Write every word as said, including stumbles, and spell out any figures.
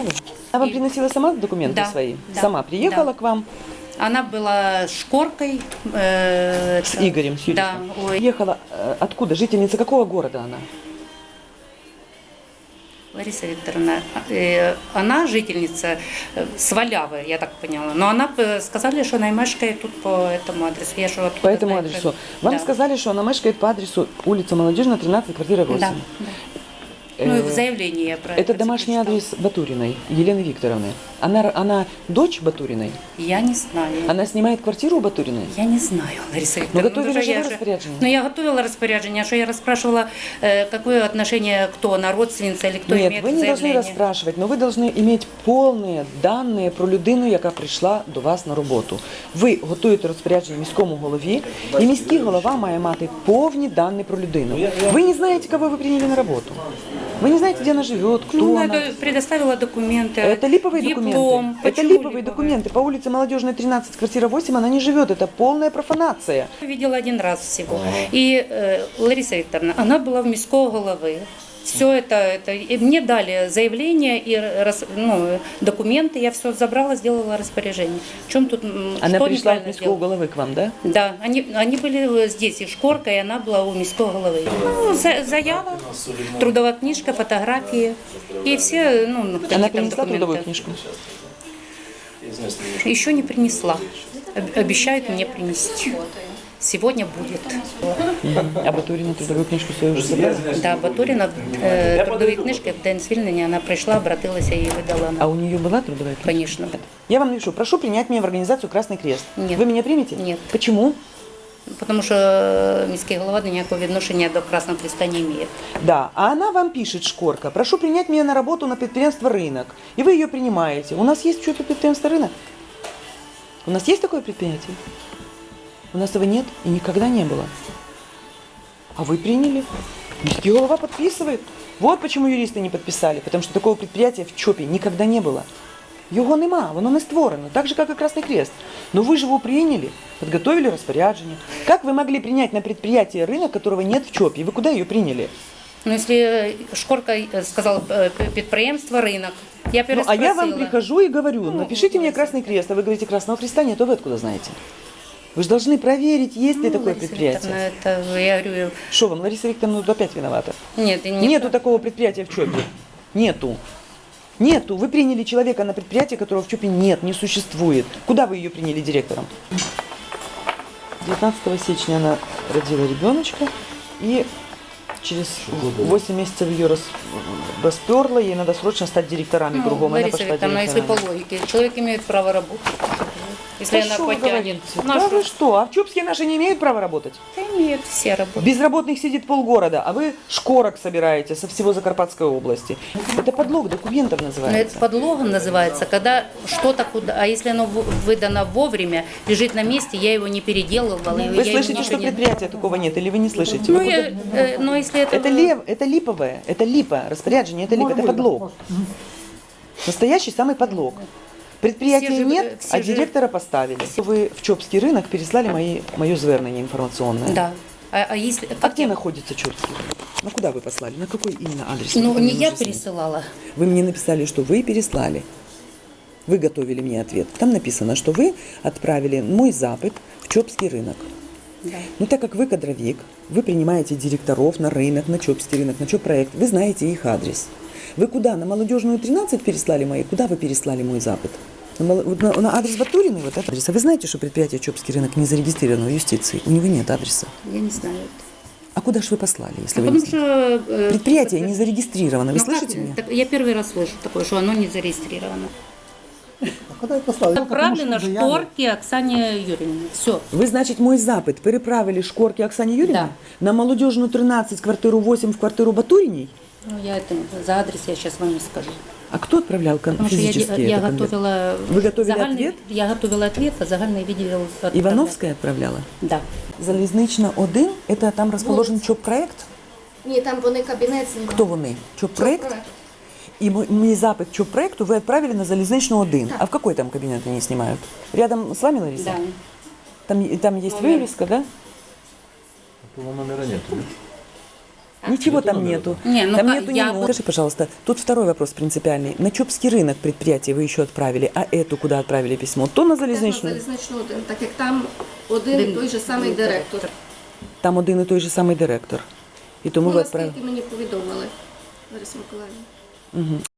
Она вам И... приносила сама документы да, свои? Да, сама приехала да. к вам? Она была с Шкоркой. Э, с Игорем, с юристом? Да. Ой. Приехала э, откуда? Жительница какого города она? Лариса Викторовна, э, она жительница Свалявы, я так поняла. Но она сказали, что она мешкает тут по этому адресу. Я что, По этому знаю, адресу. что... Вам да. сказали, что она мешкает по адресу улица Молодежная, тринадцать, квартира восемь. Да, да. Ну и в заявлении я про это. это домашний прочитала. адрес Батуриной, Елены Викторовны. Она, она дочь Батуриной? Я не знаю. Она снимает квартиру у Батуриной? Я не знаю, Лариса Но Викторовна. готовили Ну, же я вы распоряжение? Ну, я готовила распоряжение, а что я расспрашивала, э, какое отношение, кто она, родственница или кто Нет, имеет ви не заявление. повинні розпрашувати, но ви повинні мати повні дані про людину, яка прийшла до вас на роботу. Ви готуєте розпорядження міському голові, і міський голова має мати повні дані про людину. Ви не знаєте, кого ви прийняли на роботу. Вы не знаете, где она живет, кто ну, она. Я предоставила документы. Это липовые диплом. документы. Это липовые документы. По улице Молодежная, тринадцать, квартира восемь, она не живет. Это полная профанация. Я видела один раз всего. И э, Лариса Викторовна, она была в міського головы. Все это, это и мне дали заявление и рас, ну, документы, я все забрала, сделала распоряжение. В чем тут? Она что пришла от міського сделала? головы к вам, да? Да, они, они были здесь, и Шкорка, и она была у міського головы. Ну, за, заява, трудовая книжка, фотографии и все, ну, Она какие там принесла документы. трудовую книжку? Еще не принесла. Об- Обещают мне принести. Сегодня будет. А Батурина трудовую книжку свою уже забрала? Да, Батурина э, трудові книжки в день звільнення, вона прийшла, обратилася і видала А нам. у нее была трудовая книжка? Конечно. Я вам напишу, прошу принять меня в организацию «Красный крест». Нет. Вы меня примете? Нет. Почему? Тому що міський голова ніякого відношення до Красного Креста не має. Да, а она вам пишет, Шкорка, прошу принять меня на работу на предприятие «Рынок». И вы ее принимаете. У нас есть что-то предприятие «Рынок»? У нас есть такое предприятие? У нас его нет и никогда не было. А вы приняли. Міський голова подписывает. Вот почему юристы не подписали. Потому что такого предприятия в ЧОПе никогда не было. Його нема, воно не створено, так же, как и Красный Крест. Но вы же его приняли, подготовили распоряжение. Как вы могли принять на предприятие «Рынок», которого нет в ЧОПе? Вы куда ее приняли? Ну, якщо Шкорка сказала підприємство «Ринок», я Ну, а переспросила. я вам прихожу и говорю, напишите мне Красный Крест, а вы говорите, Красного Креста нет, а вы откуда знаете? Вы же должны проверить, есть ли Ну, такое Лариса предприятие. Викторовна, это, я говорю, Что вам, Лариса Викторовна, тут опять виновата? нет, не Нету такого предприятия в ЧОПе. Нету. Нету. Вы приняли человека на предприятие, которого в ЧОПе нет, не существует. Куда вы ее приняли директором? девятнадцатого сечня она родила ребеночка, и через восемь месяцев ее рас... расперла, ей надо срочно стать директорами Ну, кругом. Она Лариса пошла Викторовна, если по директорами. логике, человек имеет право работать. Если Да она что вы потянет. говорите? Да Нашу- вы что? А в ЧОПске наши не имеют права работать? Да имеют все работать. Безработных сидит полгорода, а вы шкорок собираете со всего Закарпатской области. Это подлог документов Но это называется. подлогом называется, когда что-то куда, а если оно в- выдано вовремя, лежит на месте, я его не переделывала. и Вы я слышите, ничего что не- предприятия такого нет, или вы не слышите? Ну, Вы я, куда- э, но если это... Это, лев, это липовое, это липа, распоряджение, это липа, это подлог. Настоящий самый подлог. Предприятия Все же, нет, э, все а же- директора поставили. Вы в ЧОПский рынок переслали мои, мое звернение информационное. Да. А, а если... А Как где я- находится ЧОПский рынок? Ну куда вы послали? На какой именно адрес? Ну, Вы не мне я нужно знать. пересылала. Вы мне написали, что вы переслали. Вы готовили мне ответ. Там написано, что вы отправили мой запит в ЧОПский рынок. Да. Но так как вы кадровик, вы принимаете директоров на рынок, на ЧОПский рынок, на ЧОП-проект, вы знаете их адрес. Вы куда? На Молодежную тринадцать переслали мои? Куда вы переслали мой запит? На, Мол- вот на- на адрес Батуриной, вот этот адрес. А вы знаете, что предприятие ЧОПский рынок не зарегистрировано в юстиции? У него нет адреса. Я не знаю. А куда же вы послали, если А вы не потому знаете? что... э, Предприятие так- не зарегистрировано. Вы Ну, как- слышите меня? так я первый раз слышу такое, что оно не зарегистрировано. А куда я послал? Отправлено Шкорке Оксане Юрьевне. Все. Ви, значить, мой запит переправили Шкорке Оксане Юрьевне Да. на Молодежную тринадцать, квартиру восемь в квартиру Батуриней? Ну, я это, за адрес я сейчас вам не скажу. А кто отправлял кон- Потому что я, физически я это конверт? готовила... Вы готовили загальный- ответ? Я готовила ответ, а загальный видел... отправляла. Ивановская отправляла? Да. Залізнична один, это там расположен ЧОП-проект? Ні, там вони кабінет знімали. Кто вони? ЧОП-проект? Проект. И мой, мой запит ЧОП-проекту вы отправили на Залізничну один. А в какой там кабинет они снимают? Рядом с вами, Лариса? Да. Там, там есть вывеска, да? Этого номера нет, да? Ничего там нету. Не, ну там как, нету ни я ноты. бы- Скажи, пожалуйста, тут второй вопрос принципиальный. На Чопский рынок предприятие вы еще отправили, а эту куда отправили письмо? То на Теж на залізничну. залізничну один, так як там один і той же самий директор. Там один і той же самий директор. І тому Ну, ви відправили. наскільки мені повідомили, Лариса Миколаївна. Угу.